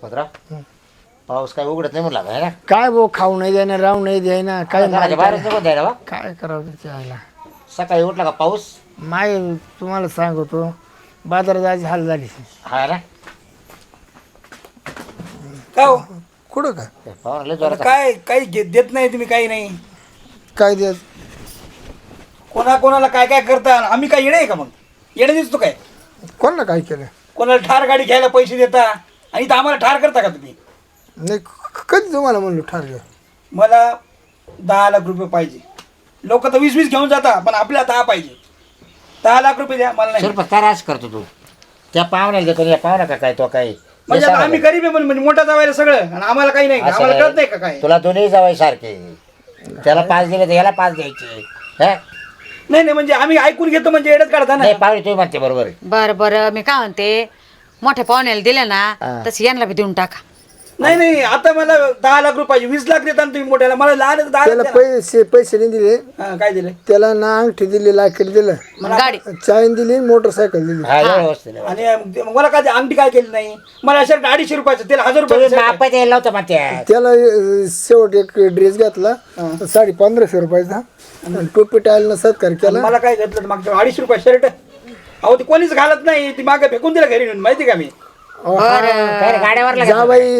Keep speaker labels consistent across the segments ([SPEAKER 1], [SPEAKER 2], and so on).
[SPEAKER 1] पत्रा पाऊस काय उघडत नाही म्हणला आहे ना
[SPEAKER 2] काय भाऊ खाऊ नाही द्यायना राहू नाही द्यायना काय
[SPEAKER 1] बाहेरच नको द्यायला बा
[SPEAKER 2] काय करावं त्याला
[SPEAKER 1] सकाळी उठला का पाऊस
[SPEAKER 2] माय तुम्हाला सांगतो बाजारात जायची हाल झाली
[SPEAKER 1] हा ना
[SPEAKER 3] का हो?
[SPEAKER 2] कुठं काय
[SPEAKER 1] पाहुणा लय जोरात
[SPEAKER 3] काय काही देत नाही तुम्ही काही नाही
[SPEAKER 2] काय द्यायचं
[SPEAKER 3] कोणाला काय काय करता आम्ही काय येणे आहे का मग येणे दिसतो काय
[SPEAKER 2] कोणाला काय केलं
[SPEAKER 3] कोणाला ठार गाडी घ्यायला पैसे देता आणि इथं आम्हाला ठार करता का तुम्ही
[SPEAKER 2] नाही कधी तुम्हाला म्हणलो ठरलं
[SPEAKER 3] मला 10 लाख रुपये पाहिजे लोक तर 20-20 घेऊन जाता पण आपल्याला 10 पाहिजे 10 लाख रुपये द्या मला नाही
[SPEAKER 1] शिरपत काय राज करतो तू त्या पाहुण्याला देतो या पाहुणा का काय तो काय
[SPEAKER 3] म्हणजे आता आम्ही गरीब आहे म्हणजे मोठा जावायला सगळं आणि आम्हाला काही नाही का?
[SPEAKER 1] असं
[SPEAKER 3] आम्हाला
[SPEAKER 1] नाही.
[SPEAKER 3] कळत नाही का काय
[SPEAKER 1] तुला दोन्ही जावाय सारखे त्याला 5 दिले तर याला 5 द्यायचे हा?
[SPEAKER 3] नाही नाही म्हणजे आम्ही ऐकून घेतो म्हणजे एडच काढता ना
[SPEAKER 1] नाही पाहुणे तुम्ही म्हणते बरोबर आहे.
[SPEAKER 4] बरं मी काय म्हणते मोठ्या पाहुण्याला दिले ना तसं यांना बी देऊन टाका
[SPEAKER 3] नाही नाही आता मला 10 लाख रुपये पाहिजे 20 लाख देता ना तुम्ही मोठ्याला मला लहान 10
[SPEAKER 2] त्याला
[SPEAKER 3] लाख द्या
[SPEAKER 2] पैसे नाही दिले
[SPEAKER 3] ना. काय दिले
[SPEAKER 2] त्याला ना अंगठी दिली लाकेट दिलं
[SPEAKER 4] गाडी
[SPEAKER 2] चाईन दिली मोटरसायकल दिली
[SPEAKER 1] हा एवढं वस्तू
[SPEAKER 3] आणि मला काय अंगठी काय केली नाही मला अशा 250 रुपयाचं त्याला 1000
[SPEAKER 1] तुम्ही
[SPEAKER 3] रुपये
[SPEAKER 1] माप द्यायला होतं म्हणते
[SPEAKER 2] त्याला शेवट एक ड्रेस घेतला 1550 रुपयाचा आणि टोपी टायलनं सत्कार केला
[SPEAKER 3] मला काय घेतलं तर मागच्या 250 रुपये शर्ट अहो ती कोणीच घालत नाही ती मागे फेकून दिला घरी नेऊन माहिती का मी
[SPEAKER 1] काय रे, गाड्यावर लागत
[SPEAKER 2] जाबाई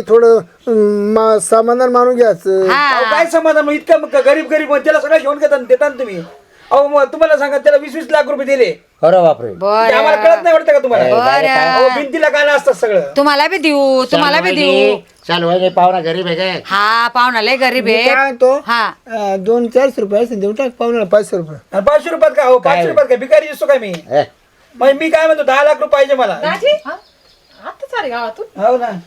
[SPEAKER 2] थोडं समाधान मानून घ्यायचं
[SPEAKER 3] अहो, काय समाधान मग इतकं मग गरीब मग त्याला सगळं घेऊन देता ना तुम्ही अहो मग तुम्हाला सांगा त्याला 20-20 लाख रुपये दिले
[SPEAKER 1] अरे बापरे
[SPEAKER 3] ते आम्हाला कळत नाही वाटतं का तुम्हाला
[SPEAKER 4] बरं
[SPEAKER 3] अहो भिंतीला गाणं असतात सगळं
[SPEAKER 4] तुम्हाला बी देऊ तुम्हाला बी देऊ
[SPEAKER 1] चालू आहे पाहुणा गरीब आहे काय
[SPEAKER 4] हा पाहुणा लय गरीब
[SPEAKER 2] मी
[SPEAKER 4] आहे
[SPEAKER 2] काय म्हणतो
[SPEAKER 4] हा
[SPEAKER 2] 200-400 रुपये असतील देऊ टाक पाहुण्याला 500 रुपये
[SPEAKER 3] आणि 500 रुपयात काय हो 500 रुपयात काय भिकारी दिसतो काय मी
[SPEAKER 1] हे,
[SPEAKER 3] मग मी काय म्हणतो 10 लाख रुपये पाहिजे मला
[SPEAKER 5] आता चालेल गावातून
[SPEAKER 3] हो ना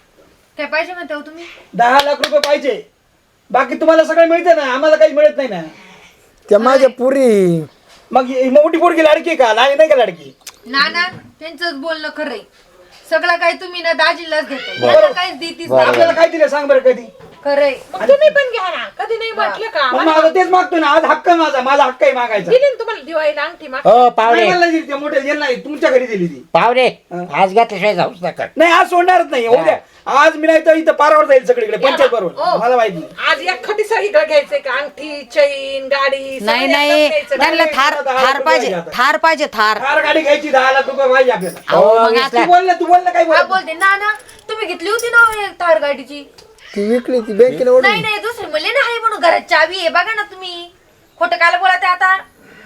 [SPEAKER 5] काय पाहिजे म्हणते हो तुम्ही
[SPEAKER 3] 10 लाख रुपये पाहिजे बाकी तुम्हाला सगळं मिळतं ना आम्हाला काही मिळत नाही ना
[SPEAKER 2] त्या माझ्या पुरी
[SPEAKER 3] मग ही मोठी पोरगी लाडकी आहे का लहान नाही का लाडकी
[SPEAKER 5] ना त्यांचं बोलणं खरंय सगळं काही तुम्ही ना दाजीलाच देतो
[SPEAKER 3] बरोबर.
[SPEAKER 5] मला काहीच देतीच नाही.
[SPEAKER 3] आपल्याला काय दिलं सांग बरं कधी
[SPEAKER 5] खरंय
[SPEAKER 6] मग तुम्ही पण घ्या ना कधी नाही म्हटलं का
[SPEAKER 3] मग माझं तेच मागतो ना आज हक्क आहे माझा हक्क आहे मागायचा
[SPEAKER 6] दिली ना तुम्हाला दिवाळीला अंगठी माग
[SPEAKER 1] हो पाहुणे
[SPEAKER 3] नाही मला दिली, त्या मोठ्या यांना नाही, तुमच्या घरी दिली ती
[SPEAKER 1] पाहुणे आज घातल्याशिवाय जाऊच नका
[SPEAKER 3] नाही आज सोडणारच नाही हो द्या आज मी नाही तर इथं पारावर जाईल सगळीकडे पंचायत बरोबर मला माहिती
[SPEAKER 6] आज एक खटी सगळीकडे घ्यायचंय का अंगठी चैन गाडी
[SPEAKER 4] नाही
[SPEAKER 6] सगळं
[SPEAKER 4] नाही
[SPEAKER 6] एकदम घ्यायचं.
[SPEAKER 4] त्यांना थार पाहिजे थार पाहिजे थार
[SPEAKER 3] कार गाडी घ्यायची 10 लाख रुपये पाहिजे आपल्याला
[SPEAKER 4] अहो मग
[SPEAKER 3] तू
[SPEAKER 4] आता
[SPEAKER 3] बोल ना काय
[SPEAKER 5] हा
[SPEAKER 3] बोल
[SPEAKER 5] बोलते ना तुम्ही घेतली होती ना हो एक थार गाडीची
[SPEAKER 2] ती विकली ती बँकेला ओढून
[SPEAKER 5] नाही नाही दुसरी म्हणले ना आहे म्हणून घरात चावी आहे बघा ना तुम्ही खोटं काल बोला ते आता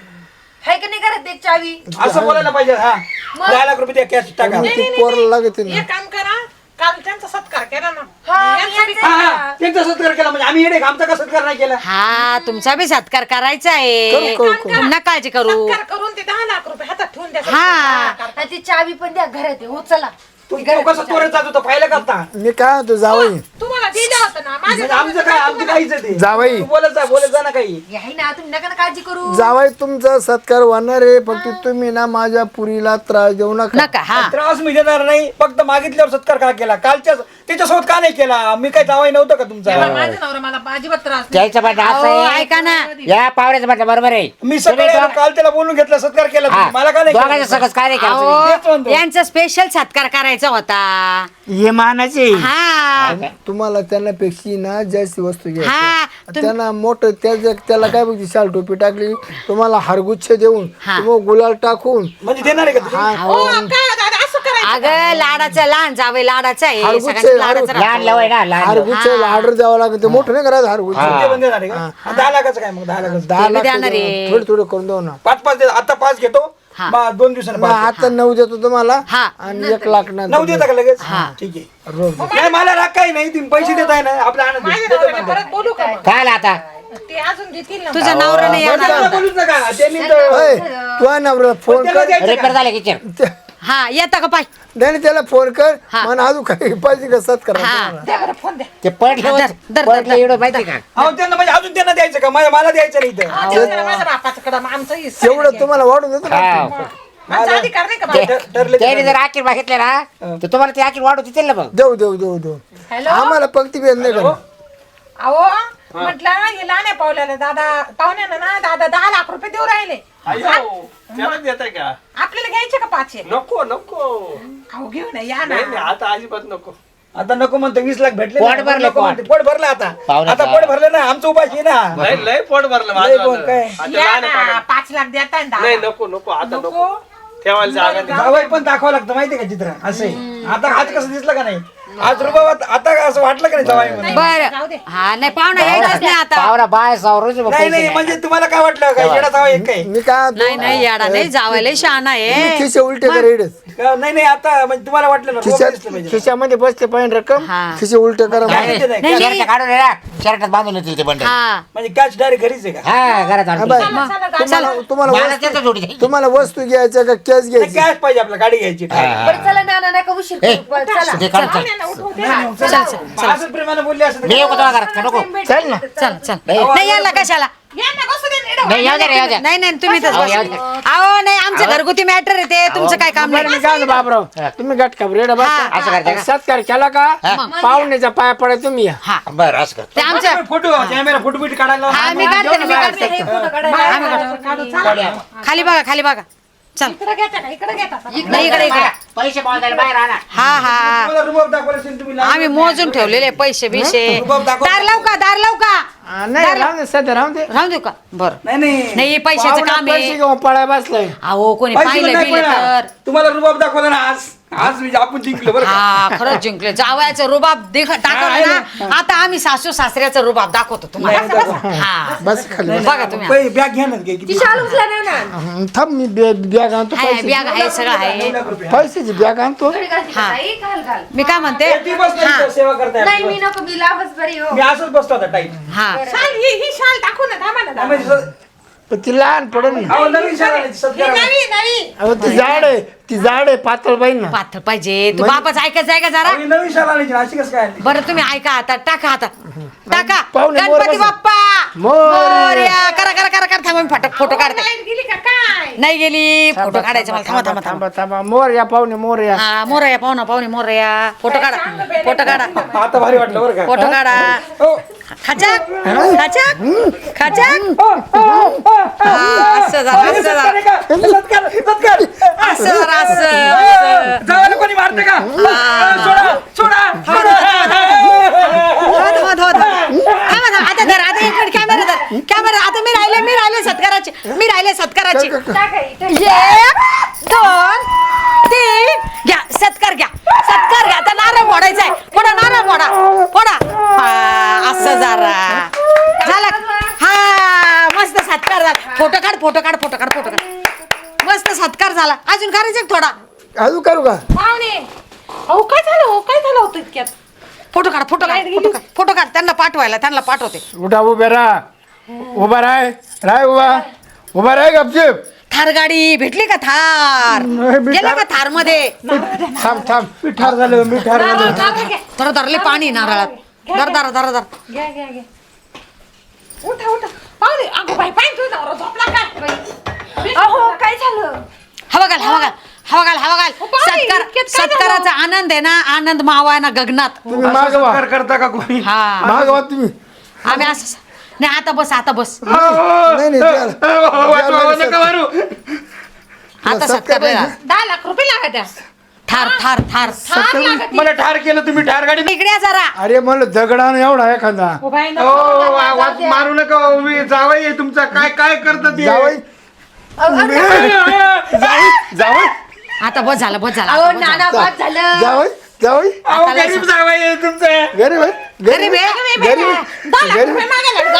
[SPEAKER 5] हाय का नाही घरात एक चावी
[SPEAKER 3] असं बोलायला पाहिजे हा 10 लाख रुपये कॅश टाका
[SPEAKER 2] ती पोरला लागते ना
[SPEAKER 6] एक काम करा काल त्यांचा सत्कार केला ना
[SPEAKER 5] हा,
[SPEAKER 6] यांचा बी
[SPEAKER 3] हा हा त्यांचा सत्कार केला म्हणजे आम्ही येणे का? आमचा का सत्कार नाही केला
[SPEAKER 4] हा तुमचा बी सत्कार करायचा आहे पुन्हा काळजी करू
[SPEAKER 6] सत्कार करून ते 10 लाख रुपये हातात ठेवून द्या
[SPEAKER 4] हा
[SPEAKER 5] आणि ती चावी पण द्या घरात आहे हो चला
[SPEAKER 3] तू कसं चोरात जात होता पाहिलं का आता
[SPEAKER 2] मी काय म्हणतो जावई
[SPEAKER 6] तुम्हाला दिलं होतं ना माझ्या
[SPEAKER 3] म्हणजे आमचं काय आमचं काहीच आहे ते
[SPEAKER 2] जावई
[SPEAKER 3] तू बोलत जा ना काही
[SPEAKER 5] आहे ना तुम्ही नका ना काळजी करू
[SPEAKER 2] जावई तुमचा सत्कार होणार आहे फक्त तुम्ही ना माझ्या पुरीला त्रास देऊ नका
[SPEAKER 4] नका हा
[SPEAKER 3] त्रास मी देणार नाही फक्त मागितल्यावर सत्कार का केला कालच्या त्याच्यासोबत का नाही केला मी काही जावाई नव्हतं का तुमचा
[SPEAKER 6] माझ्या नवरा मला अजिबात त्रास नाही.
[SPEAKER 1] त्याचं म्हणणं असं
[SPEAKER 4] अहो,
[SPEAKER 1] आहे
[SPEAKER 4] ऐका ना
[SPEAKER 1] या पाहुण्याचं म्हटलं बरोबर आहे
[SPEAKER 3] मी सकाळी
[SPEAKER 1] तुम्ही
[SPEAKER 3] आलो, काल त्याला बोलून घेतला सत्कार केला
[SPEAKER 1] हा,
[SPEAKER 3] तुम्ही. मला का नाही
[SPEAKER 1] दोघांचं
[SPEAKER 3] केला?
[SPEAKER 1] सगळं काय नाही केलं
[SPEAKER 4] अहो,
[SPEAKER 3] तेच म्हणतो.
[SPEAKER 4] यांचा स्पेशल सत्कार करायचा होता
[SPEAKER 2] हे मानाचे
[SPEAKER 4] हा
[SPEAKER 2] तुम्हाला त्यांना पेक्षी ना जास्त वस्तू घ्या
[SPEAKER 4] हा
[SPEAKER 2] त्यांना मोठं त्याला काय बघती शाल टोपी टाकली तुम्हाला हारगुच्छ देऊन
[SPEAKER 4] हा.
[SPEAKER 2] तुम्हाला गुलाल टाकून
[SPEAKER 3] म्हणजे देणार आहे का तुम्ही?
[SPEAKER 6] हो, काय दादा असं करायचं
[SPEAKER 4] अगं लाडाचं लहान जावे लाडाचं आहे
[SPEAKER 2] हारगुच्छ,
[SPEAKER 4] सगळ्यांचं लाडाचं
[SPEAKER 2] हारगुच्छ.
[SPEAKER 1] लहान लवय ना लहान लवय.
[SPEAKER 2] हारगुच्छ ऑर्डर द्यावं लागतं ते मोठं नाही करायचं हारगुच्छ
[SPEAKER 1] हा.
[SPEAKER 3] ते पण देणार आहे का 10 लाखाचं काय मग 10 लाखाचं
[SPEAKER 2] 10
[SPEAKER 4] बी
[SPEAKER 2] लाख
[SPEAKER 4] देणार आहे.
[SPEAKER 2] थोडे थोडे करून देऊ ना
[SPEAKER 3] 5 दे आता 5 घेतो
[SPEAKER 4] हा.
[SPEAKER 3] मग 2 दिवसांनी
[SPEAKER 2] मग
[SPEAKER 3] 5
[SPEAKER 2] आता 9 देतो तुम्हाला
[SPEAKER 4] हा.
[SPEAKER 2] आणि 1 लाख ना
[SPEAKER 3] 9 देता का लगेच ठीक आहे
[SPEAKER 2] रोज
[SPEAKER 3] नाही मला राग काही नाही तुम्ही पैसे देताय ना आपल्या आनंद
[SPEAKER 6] माझ्या
[SPEAKER 3] देतो
[SPEAKER 6] नवऱ्याला
[SPEAKER 3] म्हणतो.
[SPEAKER 6] परत बोलू का मग?
[SPEAKER 1] काय आला आता
[SPEAKER 6] ते अजून देतील ना
[SPEAKER 4] तुझ्या नवऱ्याने
[SPEAKER 3] बरं,
[SPEAKER 4] येणार
[SPEAKER 3] त्यांना बोलूच नका त्यांनी तर-
[SPEAKER 2] अय, तू नवऱ्याला फोन
[SPEAKER 3] त्याला
[SPEAKER 2] कर
[SPEAKER 3] द्यायचं
[SPEAKER 1] रिपेअर
[SPEAKER 3] का?
[SPEAKER 1] झाले किचन
[SPEAKER 2] ते-
[SPEAKER 4] हा येता का पाय
[SPEAKER 2] नाही त्याला फोन कर
[SPEAKER 4] हा.
[SPEAKER 2] मला अजून काही पाहिजे का सत्कार
[SPEAKER 4] हा.
[SPEAKER 6] द्या बरं फोन द्या
[SPEAKER 1] ते पडलं
[SPEAKER 4] धर, धर,
[SPEAKER 1] पडलं
[SPEAKER 4] धर.
[SPEAKER 1] एवढं माहिती का
[SPEAKER 3] अहो त्यांना म्हणजे अजून त्यांना द्यायचं का मला द्यायचं नाही इथं
[SPEAKER 6] हा, देऊ द्या माझ्या बापाचं कडं आमचं हिस्सा
[SPEAKER 2] तेवढं तुम्हाला वाढून देतो ना.
[SPEAKER 1] हा.
[SPEAKER 6] आमचा अधिकार नाही का बाबा?
[SPEAKER 3] ठरले ते
[SPEAKER 1] त्याने जर आखीर मागितले ना तर तुम्हाला ते आखीर वाढवू देतील ना मग
[SPEAKER 2] देऊ देऊ देऊ देऊ
[SPEAKER 6] हॅलो
[SPEAKER 2] आम्हाला पंक्ती भेद नाही करा
[SPEAKER 6] अहो म्हटलं हे लहान पावल्याला दादा पाहुण्यानं ना दादा 10 लाख रुपये देऊ राहिले
[SPEAKER 7] त्याला देताय का
[SPEAKER 6] आपल्याला घ्यायचे का 5
[SPEAKER 7] नको नको
[SPEAKER 6] अहो घेऊ ना या ना
[SPEAKER 7] नाही नाही, आता अजिबात नको
[SPEAKER 3] आता नको म्हणतो 20 लाख भेटले
[SPEAKER 1] पोट
[SPEAKER 3] ना,
[SPEAKER 1] भरले,
[SPEAKER 3] नको म्हणते.
[SPEAKER 1] पोट.
[SPEAKER 3] पोट भरलं आता
[SPEAKER 1] पाहुणे
[SPEAKER 3] आता
[SPEAKER 1] का?
[SPEAKER 3] पोट भरलं ना आमचं उपाशी ना
[SPEAKER 7] लय लय पोट भरलं
[SPEAKER 3] लय
[SPEAKER 7] माझं
[SPEAKER 3] पोट काय?
[SPEAKER 7] आता
[SPEAKER 6] या
[SPEAKER 7] लहान
[SPEAKER 6] ना,
[SPEAKER 7] आहे पाहुणे.
[SPEAKER 6] 5 लाख देताय ना
[SPEAKER 7] नाही
[SPEAKER 6] दादा.
[SPEAKER 7] नको नको आता नको
[SPEAKER 6] नको.
[SPEAKER 7] ठेवायला जागा नाही
[SPEAKER 3] जावई पण दाखवावं लागतं माहितीये का चित्र असं आहे. आता आज कसं दिसलं का नाही आज रुबाबात आता असं वाटलं का नाही जावाई म्हणून
[SPEAKER 6] जाऊ दे.
[SPEAKER 4] बरं हा नाही पाहुणा यायचाच नाही आता
[SPEAKER 1] पाहुणा बाय सौरच
[SPEAKER 3] नाही नाही म्हणजे तुम्हाला काय वाटलं काय येडा जावा एक काय
[SPEAKER 2] मी काय
[SPEAKER 4] नाही नाही याडा नाही जावायला शहाणा आहे
[SPEAKER 2] खिशे उलटे करायचे
[SPEAKER 3] नाही नाही आता म्हणजे तुम्हाला वाटलं ना रोग दिसलं पाहिजे
[SPEAKER 2] खिशामध्ये बसते पाहिजे रक्कम
[SPEAKER 4] हा.
[SPEAKER 2] खिशे उलटे करा
[SPEAKER 3] नाही, नाही,
[SPEAKER 4] नाही,
[SPEAKER 1] शर्ट काढून ये ना शर्टात बांधून येतील ते बंडल
[SPEAKER 4] हा
[SPEAKER 3] म्हणजे कॅश डायरेक्ट घरीच आहे का
[SPEAKER 1] हा घरात
[SPEAKER 2] हा,
[SPEAKER 1] आणतील.
[SPEAKER 2] बाय.
[SPEAKER 6] चला,
[SPEAKER 2] तुम्हाला
[SPEAKER 1] मला
[SPEAKER 2] वस्तू-
[SPEAKER 1] त्याचं जोडी द्यायची.
[SPEAKER 2] तुम्हाला वस्तू घ्यायच्या का कॅश घ्यायची
[SPEAKER 3] कॅश पाहिजे आपल्याला गाडी घ्यायची
[SPEAKER 5] बरं चला ना नका उशीर
[SPEAKER 1] ए,
[SPEAKER 5] करू. चला
[SPEAKER 1] ते काढून चल.
[SPEAKER 6] पाहुण्यांना उठवू दे ना.
[SPEAKER 3] असं प्रेमाने बोलले असं
[SPEAKER 1] मी येऊ का तुला घरात का नको
[SPEAKER 2] चल ना
[SPEAKER 4] चल चल
[SPEAKER 1] नाही.
[SPEAKER 4] नाही यायला कशाला
[SPEAKER 6] यांना बसू दे ना, इकडं
[SPEAKER 1] नाही येऊ द्या रे, येऊ द्या
[SPEAKER 4] नाही नाही तुम्ही तर
[SPEAKER 1] अहो, येऊ द्या.
[SPEAKER 4] अहो नाही आमचं घरगुती मॅटर आहे ते तुमचं काय काम
[SPEAKER 2] बरं मी
[SPEAKER 4] नाही
[SPEAKER 2] काय म्हणतो बापराव तुम्ही गट खबरेड
[SPEAKER 1] असं करते का?
[SPEAKER 2] सत्कार केला का पाहुण्याच्या पाया पडा तुम्ही या
[SPEAKER 4] हा
[SPEAKER 1] बरं असं कर
[SPEAKER 4] ते आमचं
[SPEAKER 3] फोटो कॅमेरा फोटो बिट काढायला
[SPEAKER 4] हा मी काढते ना मी काढते
[SPEAKER 5] हे फोटो काढायला
[SPEAKER 6] काढू, चला.
[SPEAKER 4] खाली बघा खाली बघा चल
[SPEAKER 6] इकडं घेता का? इकडं घेता का?
[SPEAKER 4] नाही इकडे इकडे
[SPEAKER 1] पैसे पावसायला बाहेर आणा
[SPEAKER 4] हा हा
[SPEAKER 3] तुम्हाला रुबाब दाखवला असेल तुम्ही
[SPEAKER 4] आम्ही मोजून ठेवलेले पैसे बिशे
[SPEAKER 3] रुबाब दाखव.
[SPEAKER 4] दार लावू का दार लावू का
[SPEAKER 2] नाही राहून दे सध्या राहून दे
[SPEAKER 4] राहू देऊ का बर
[SPEAKER 3] नाही
[SPEAKER 4] नाही पैशाचं
[SPEAKER 2] पाहुणा
[SPEAKER 4] काम
[SPEAKER 2] पैसे
[SPEAKER 4] आहे
[SPEAKER 2] घेऊन पळाय बसलाय
[SPEAKER 4] अहो कोणी
[SPEAKER 3] पैसे
[SPEAKER 4] पाहिलं
[SPEAKER 3] नाही
[SPEAKER 4] बिलं
[SPEAKER 3] पडणार.
[SPEAKER 4] तर
[SPEAKER 3] तुम्हाला रुबाब दाखवला ना आज म्हणजे आपण जिंकलो बरं का
[SPEAKER 4] हा खरंच जिंकले जावयाचं रुबाब टाकलं ना आता आम्ही सासू सासऱ्याचं रुबाब दाखवतो तुम्हाला हा
[SPEAKER 2] बस खाली बस.
[SPEAKER 4] बघा तुम्ही
[SPEAKER 3] बॅग घ्या ना घे, किती?
[SPEAKER 5] ती शाल उचला ना ना
[SPEAKER 2] थांब मी बॅग आणतो
[SPEAKER 4] हाय
[SPEAKER 2] पैसे
[SPEAKER 4] बॅग आहे सगळं आहे
[SPEAKER 2] पैशाची बॅग आणतो
[SPEAKER 5] घडी घालते का ताई? घाल घाल
[SPEAKER 4] मी काय म्हणते
[SPEAKER 3] ती बस नाही
[SPEAKER 4] हा
[SPEAKER 3] इथं सेवा करताय
[SPEAKER 5] नाही
[SPEAKER 3] आपली
[SPEAKER 5] मी
[SPEAKER 3] बस.
[SPEAKER 5] नको मी लावच बरी हो
[SPEAKER 3] मी असंच बसतो आता टाईट
[SPEAKER 4] हा
[SPEAKER 6] शाल, ही शाल टाकू ना, थांबा ना, दादा.
[SPEAKER 3] म्हणजे
[SPEAKER 2] पण ती लहान पडेल ना.
[SPEAKER 3] अहो, नवीन शाळा आहे,
[SPEAKER 6] ही
[SPEAKER 3] सत्कार
[SPEAKER 6] नवी नवी
[SPEAKER 2] अहो ती झाड आहे ती झाड आहे पातळ पाहिजे ना
[SPEAKER 4] पाथर पाहिजे तू बापाच ऐकायचं आहे का जरा
[SPEAKER 3] आम्ही नवीन शाळा आणायची ना, अशी कसं काय आली?
[SPEAKER 4] बरं तुम्ही ऐका आता टाका आता टाका
[SPEAKER 2] पाहुणे मोर
[SPEAKER 4] गणपती
[SPEAKER 2] बसा.
[SPEAKER 4] बाप्पा
[SPEAKER 2] मोरया.
[SPEAKER 4] मोरया. करा करा करा करा थांबा मी फोटो काढते
[SPEAKER 6] लाईट गेली का काय?
[SPEAKER 4] नाही गेली फोटो काढायचा मला थांबा थांबा थांबा
[SPEAKER 2] थांबा मोर या पाहुणे मोर या
[SPEAKER 4] हा मोरया पाहुणा पाहुणे मोरया फोटो काढा फोटो काढा
[SPEAKER 3] आता भारी वाटलं बरं का
[SPEAKER 4] फोटो काढा
[SPEAKER 3] हो.
[SPEAKER 4] खचक खचक खचक असं झालं असं झालं
[SPEAKER 3] सत्कार सत्कार
[SPEAKER 4] असं झालं असं
[SPEAKER 3] जावायला कोणी मारते का सोडा सोडा
[SPEAKER 4] आता धर आता इकडे कॅमेरा आता मी राहिले सत्काराचे
[SPEAKER 5] टाका इथे.
[SPEAKER 4] 1 2 3 घ्या सत्कार घ्या आता नारळ फोडायचा आहे फोडा नारळ फोडा हा, असं जरा झालं हा मस्त सत्कार झाला फोटो काढ मस्त सत्कार झाला अजून करायचं का थोडा
[SPEAKER 2] अजून करू का
[SPEAKER 6] पाहुणे अहो काय झालं होतं इतक्यात
[SPEAKER 4] फोटो काढ त्यांना पाठवते
[SPEAKER 2] उठा उभा राय उभा राय गपचिप
[SPEAKER 4] थार गाडी भेटली का थार
[SPEAKER 2] नाही भेटली.
[SPEAKER 4] गेला का थार मध्ये
[SPEAKER 2] थांब
[SPEAKER 3] मी ठार झालो
[SPEAKER 4] तर धरले पाणी नारळात दर
[SPEAKER 6] घ्या उठा पाहुणे अगो बाई पाय तू नवरा झोपला काय?
[SPEAKER 5] अहो काय झालं
[SPEAKER 4] हवा घाल
[SPEAKER 6] पाणी, इतक्यात काय
[SPEAKER 4] सत्काराचा आनंद आहे ना आनंद मावा आहे ना गगनात
[SPEAKER 2] तुम्ही मागवा
[SPEAKER 3] सत्कार करता का कोणी
[SPEAKER 4] हा
[SPEAKER 2] मागवा तुम्ही
[SPEAKER 4] आम्ही असं नाही आता बस
[SPEAKER 2] नाही
[SPEAKER 3] नका मारू
[SPEAKER 4] आता सत्कार नाही झाला.
[SPEAKER 6] 10 लाख रुपये लागत आहे.
[SPEAKER 4] थार
[SPEAKER 3] मला ठार केलं तुम्ही ठार गाडी
[SPEAKER 4] इकडे या जरा
[SPEAKER 2] अरे मला दगडान एवढा एखादा
[SPEAKER 6] ओ बाई
[SPEAKER 3] ओ, वाज मारू नका हो, मी जावई आहे तुमचा काय करता ते
[SPEAKER 2] जावई जावई
[SPEAKER 4] आता बस झालं
[SPEAKER 5] अहो नाना बाद झालं
[SPEAKER 2] जावई
[SPEAKER 3] अहो, गरीब जावई आहे तुमचा
[SPEAKER 2] गरीब आहे
[SPEAKER 4] गरीब आहे.
[SPEAKER 6] 10 लाख रुपये मागायला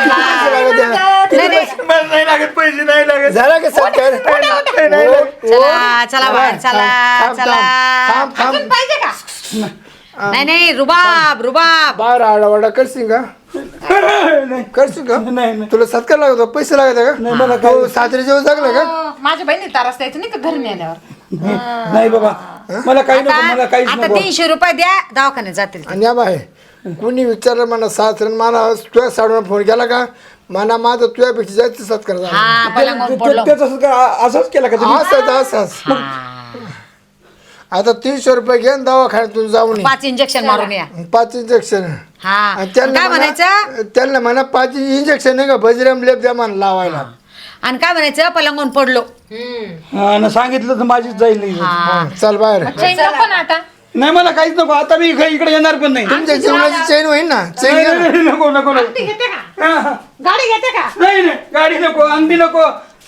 [SPEAKER 6] जावई.
[SPEAKER 3] मला नाही लागत पैसे नाही लागत
[SPEAKER 2] झाला का सत्कार
[SPEAKER 4] चला बाहेर चला
[SPEAKER 6] अजून पाहिजे का?
[SPEAKER 4] नाही रुबाब
[SPEAKER 2] बाहेर आडावाडा करशील का करशील का
[SPEAKER 3] नाही.
[SPEAKER 2] तुला सत्कार लागतो पैसे लागत का मला सासरे जेवण जगलं का
[SPEAKER 6] माझ्या बहिणी तारास द्यायचं नाही का घरी नेल्यावर
[SPEAKER 3] नाही बाबा मला काही नको मला काहीच
[SPEAKER 4] आता
[SPEAKER 3] नको
[SPEAKER 4] 300 रुपये द्या दवाखान्यात जातील
[SPEAKER 2] आणि या बाय कुणी विचारलं मला सासऱ्यानं मला तुझ्या साडून फोन केला का मला माझा तुझ्यापेक्षा जास्त सत्कार झाला
[SPEAKER 4] हा पलंगावर पडलो
[SPEAKER 3] त्याचं सत्कार असंच केला का तुम्ही
[SPEAKER 2] असंच आता 300 रुपये घेऊन दवाखान्यातून जाऊन
[SPEAKER 4] 5 इंजेक्शन मारून या
[SPEAKER 2] 5 इंजेक्शन
[SPEAKER 4] हा काय म्हणायचं
[SPEAKER 2] त्यांना म्हणा 5 इंजेक्शन नाही का बजरंग लेप द्या मला लावायला
[SPEAKER 4] आणि काय म्हणायचं पलंगून पडलो
[SPEAKER 3] हा ना सांगितलं तर माझीच जाईल नाही.
[SPEAKER 2] चल बाहेर
[SPEAKER 6] चैन नको ना आता
[SPEAKER 3] नाही मला काहीच नको आता मी इकडे येणार पण नाही
[SPEAKER 2] तुमच्या जेवणाची चैन होईल ना चैन
[SPEAKER 3] नाही,
[SPEAKER 2] घ्या ना.
[SPEAKER 3] नाही, नाही, नको नको नको
[SPEAKER 6] ती घेते का
[SPEAKER 3] हा, हा.
[SPEAKER 6] गाडी घेते का
[SPEAKER 3] नाही नाही गाडी नको अंगठी नको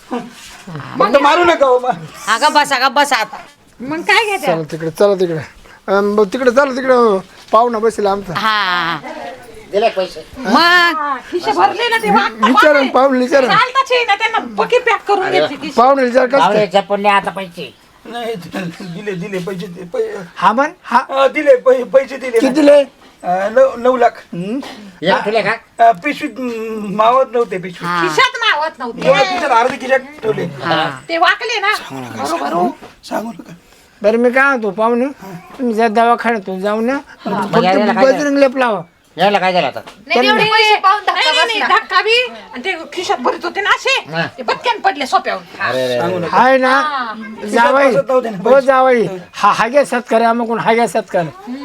[SPEAKER 3] फक्त मारू नका हो.
[SPEAKER 4] अगं बस आता
[SPEAKER 6] मग काय घेते
[SPEAKER 2] चला तिकडे चला तिकडे तिकडे चला तिकडे पाहुणा बसेल आमचा
[SPEAKER 4] हा
[SPEAKER 1] दिले पैसे
[SPEAKER 4] मग
[SPEAKER 6] खिशे भरले ना ते
[SPEAKER 2] विचारा पाहुणे विचारा
[SPEAKER 6] चालताच ना त्यांना पकी पॅक करून घेतली खिशे
[SPEAKER 2] पाहुणे विचार कसं
[SPEAKER 1] पाहुणे जपून नाही आता पैसे
[SPEAKER 3] नाही दिले पैसे
[SPEAKER 2] हा म्हण हा
[SPEAKER 3] दिले पैसे दिले
[SPEAKER 2] किती दिले
[SPEAKER 3] 9 लाख
[SPEAKER 1] एक ठेवले का
[SPEAKER 3] पिशवीत मावत नव्हते पिशवीत
[SPEAKER 6] खिशात मावत नव्हते
[SPEAKER 3] एवढ्या खिशात अर्धी खिशात ठेवले
[SPEAKER 6] ते वाकले ना बरोबर
[SPEAKER 3] सांगू नका
[SPEAKER 2] बरं मी काय म्हणतो पाहुणे तुम्ही जा दवाखान्यातून जाऊन ना
[SPEAKER 1] मग यायला काय
[SPEAKER 2] बजरंग लेप लावा
[SPEAKER 1] यायला काय झालं आता
[SPEAKER 5] नाही एवढे पैसे पाहून धक्का
[SPEAKER 6] नाही
[SPEAKER 5] बसला.
[SPEAKER 6] धक्का बी आणि ते खिशात भरत होते ना असे
[SPEAKER 1] हा.
[SPEAKER 6] ते बटक्यान पडले सोप्यावर
[SPEAKER 1] अरे रे रे.
[SPEAKER 2] हाय ना जावाई
[SPEAKER 3] बसत नव्हते ना
[SPEAKER 2] हो जावाई हा हाग्या सत्कार आम्हाला हाग्या सत्कार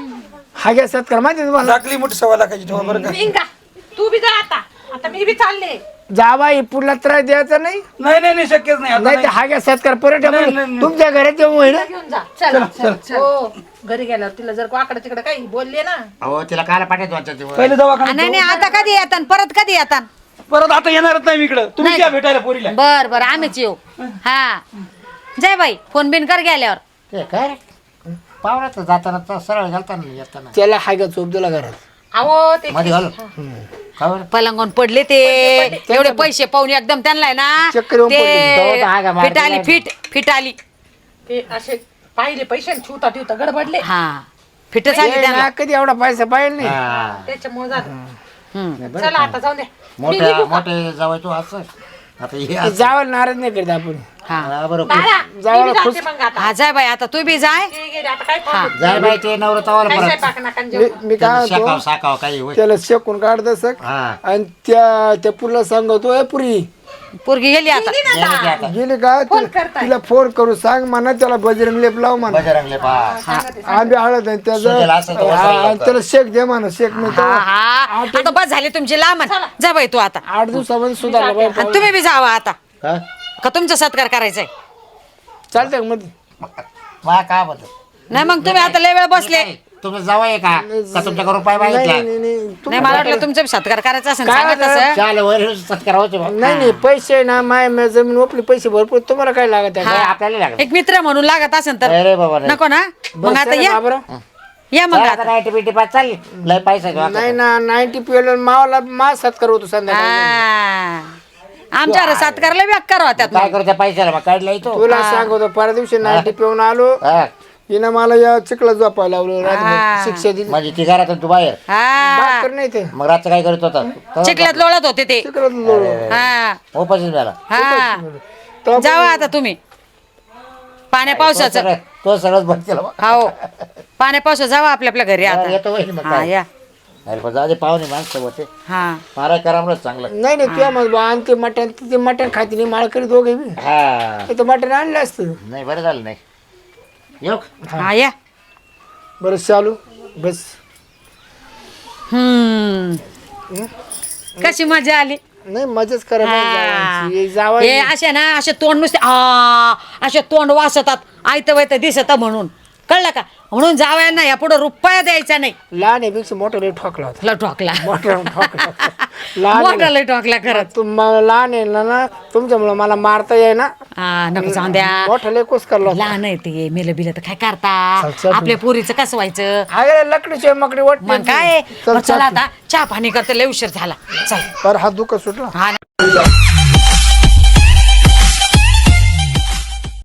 [SPEAKER 2] हाग्या सत्कार माहिती आहे तुम्हाला
[SPEAKER 3] टाकली मोठी 1.25 लाखाची ठेवा बरं का
[SPEAKER 6] निघा तू बी जा आता मी बी चालले
[SPEAKER 2] जावाई पुढला त्रास द्यायचा नाही
[SPEAKER 3] नाही शक्यच नाही आता
[SPEAKER 2] नाही तर
[SPEAKER 3] नाही.
[SPEAKER 2] हाग्या सत्कार परत
[SPEAKER 3] नाही, नाही.
[SPEAKER 2] तुमच्या घरात येऊ होईल
[SPEAKER 6] घेऊन जा चल हो घरी गेल्यावर तिला जर वाकडं तिकडे काही बोलले ना
[SPEAKER 1] अहो तिला कायला पाठवतो आमच्या
[SPEAKER 3] पहिले दवाखान्यात
[SPEAKER 4] नाही आता कधी येतात परत कधी येतात
[SPEAKER 3] परत आता येणारच नाही मी इकडं तुम्ही
[SPEAKER 4] नाही.
[SPEAKER 3] या भेटायला पोरीला
[SPEAKER 4] बर आम्हीच येऊ हा जय बाई फोन बिन कर गेल्यावर
[SPEAKER 1] ते काय रे पाहुण्यात जाताना तर सरळ घालताना येताना
[SPEAKER 2] त्याला हाग्या चोप दिला घरात
[SPEAKER 6] अहो ते
[SPEAKER 1] मध्ये घालू का बरं?
[SPEAKER 4] पलंगून पडले ते एवढे पैसे पाहून एकदम त्यांना आहे ना
[SPEAKER 2] चक्कर येऊन
[SPEAKER 1] तो तर हागा
[SPEAKER 4] ते
[SPEAKER 1] मार
[SPEAKER 4] फिट आली
[SPEAKER 1] दिला.
[SPEAKER 4] फिट आली
[SPEAKER 6] ते असे पाहिले पैसे ठेवता गडबडले
[SPEAKER 4] हा फिटच आली
[SPEAKER 2] ए,
[SPEAKER 4] त्यांना
[SPEAKER 2] ना, कधी एवढा पैसा पाहिजे नाही
[SPEAKER 1] हा.
[SPEAKER 6] त्याच्यामुळे झालं
[SPEAKER 4] हम्म.
[SPEAKER 6] चला आता जाऊन द्या
[SPEAKER 1] मोठे जावं तू असं आता हे असं.
[SPEAKER 2] जावं नाराज नाही करत आपण
[SPEAKER 4] हा
[SPEAKER 1] हा, बरोबर
[SPEAKER 6] दादा,
[SPEAKER 2] जावं
[SPEAKER 6] मी बी
[SPEAKER 2] खुश.
[SPEAKER 6] जाते मग आता
[SPEAKER 4] हा जाय बाई आता तू बी जाय
[SPEAKER 6] ते गेले, आता काय करू?
[SPEAKER 1] जाय बाई ते नवरतावाला
[SPEAKER 6] काय
[SPEAKER 1] परत
[SPEAKER 6] स्वयंपाक नका आणि जेवण.
[SPEAKER 2] मी काय
[SPEAKER 1] शाकाव
[SPEAKER 2] म्हणतो
[SPEAKER 1] साकाव काही होय
[SPEAKER 2] त्याला शेकून काढत सक
[SPEAKER 1] हा
[SPEAKER 2] आणि त्या पुरीला सांगतो ए पुरी
[SPEAKER 4] पोरगी गेली आता
[SPEAKER 6] गेली ना
[SPEAKER 1] गेले की
[SPEAKER 6] आता.
[SPEAKER 1] आता
[SPEAKER 2] गेली का
[SPEAKER 6] फोन करताय.
[SPEAKER 2] तिला फोन करू सांग म्हणा त्याला बजरंग लेप लाव म्हणा
[SPEAKER 1] बजरंगले पास
[SPEAKER 2] आंबे हळद आहे
[SPEAKER 1] सुजेल असेल तर
[SPEAKER 2] त्याचं
[SPEAKER 1] वसायला
[SPEAKER 2] हा, त्याला शेक दे म्हणा शेक नाही
[SPEAKER 4] हा
[SPEAKER 2] तर
[SPEAKER 4] हा आता बस झाली तुमची लांबण जा बाई तू आता
[SPEAKER 2] 8 दिवसामध्ये सुधारला पाहिजे
[SPEAKER 4] आणि तुम्ही बी जावा आता
[SPEAKER 1] हा?
[SPEAKER 4] का तुमचा सत्कार करायचाय
[SPEAKER 2] चालतंय का मध्ये
[SPEAKER 1] मा का बदल
[SPEAKER 4] नाही मग तुम्ही आता लय वेळ बसले
[SPEAKER 1] तुम्ही जावं आहे का तुमच्या घरून पाय
[SPEAKER 2] नाही
[SPEAKER 1] मागितला
[SPEAKER 2] नाही नाही
[SPEAKER 4] नाही मला वाटलं तुमचा बी सत्कार करायचा असेल
[SPEAKER 2] काय
[SPEAKER 4] सांगा
[SPEAKER 2] होतं?
[SPEAKER 4] तसं
[SPEAKER 1] चाल वर सत्कार होते बा.
[SPEAKER 2] नाही नाही पैसे ना माय जमीन ओपली पैसे भरपूर तुम्हाला काय लागत आहे
[SPEAKER 1] काय आपल्याला लागलं
[SPEAKER 4] एक मित्र म्हणून लागत असेल तर
[SPEAKER 1] अरे बाबा नाही.
[SPEAKER 4] नको ना मग
[SPEAKER 2] बस
[SPEAKER 4] आता
[SPEAKER 2] चला
[SPEAKER 4] या
[SPEAKER 2] बाबरा.
[SPEAKER 4] या मग
[SPEAKER 1] चला
[SPEAKER 4] आता
[SPEAKER 1] आता 90 पास चालली लय पैसा घेऊ आता.
[SPEAKER 2] नाही ना 90 पिवलं मावाला मा सत्कार होतो संध्याकाळी
[SPEAKER 4] हा. आमच्या सत्कारला व्याग करा त्यात
[SPEAKER 1] काय करू त्या पैशाला मग काढला येतो
[SPEAKER 2] तुला सांगतो परवा दिवशी 90 पिऊन आलो
[SPEAKER 1] हा.
[SPEAKER 2] हिनं मला या चिखला झोपायला लावलं रात्रभर. शिक्षा दिली
[SPEAKER 1] म्हणजे ती घरातून तू बाहेर
[SPEAKER 4] हा
[SPEAKER 2] भाकर नाही ते
[SPEAKER 1] मग रातचं काय करत होता
[SPEAKER 4] चिखल्यात लोळत होते ते
[SPEAKER 2] चिखलात लोळलं.
[SPEAKER 4] हा
[SPEAKER 1] उपाशीच झाला
[SPEAKER 4] हा
[SPEAKER 2] तेव्हा
[SPEAKER 4] जावा आता तुम्ही पाण्या पावसाचं
[SPEAKER 1] तो सगळंच बंद केला बा.
[SPEAKER 4] हो पाण्या पावसाचं जावा आपल्या आपल्या घरी आता
[SPEAKER 1] येतो वहिनी मग
[SPEAKER 4] हा
[SPEAKER 1] काय
[SPEAKER 4] या
[SPEAKER 1] अरे पण जाऊ दे पाहुणे माणसं होते
[SPEAKER 4] हा
[SPEAKER 1] मारा करामलं चांगलं
[SPEAKER 2] नाही नाही तुझ्या मग आणि ते मटण खाती नाही माळ करीत दोघे बी
[SPEAKER 1] हा
[SPEAKER 2] ते मटण आणलं असतं
[SPEAKER 1] नाही बरं झालं नाही येऊ का?
[SPEAKER 4] हा या
[SPEAKER 2] बरं चालू बस
[SPEAKER 4] कशी मजा आली
[SPEAKER 2] नाही मजाच करा
[SPEAKER 4] हा.
[SPEAKER 2] जावा
[SPEAKER 4] हे असे ना असे तोंड नुसते असे तोंड वासतात आयत वैत दिसत म्हणून कळलं का म्हणून जावयांना या पुढे रुपया द्यायचा नाही
[SPEAKER 2] लहान आहे पेक्षा मोठा लय ठोकला होता
[SPEAKER 4] ला ठोकला
[SPEAKER 2] मोठा ठोकला लहान
[SPEAKER 4] मोठा लय ठोकला खरंच
[SPEAKER 2] तुम्हाला लहान आहे ना तुमच्यामुळे मला मारता येई ना
[SPEAKER 4] हा नको जाऊन द्या
[SPEAKER 2] मोठा लय कोस करला होता.
[SPEAKER 4] लहान आहे ते मेलं बिलं तर काय करता
[SPEAKER 2] चल, चल.
[SPEAKER 4] आपल्या पोरीचं कसं व्हायचं
[SPEAKER 2] अरे लकडीचे मकडी वाट
[SPEAKER 4] मग काय बरं, चला आता चहा पाणी करते लय उशीर झाला चल
[SPEAKER 2] पर हात दुखत सुटला
[SPEAKER 4] हा ना.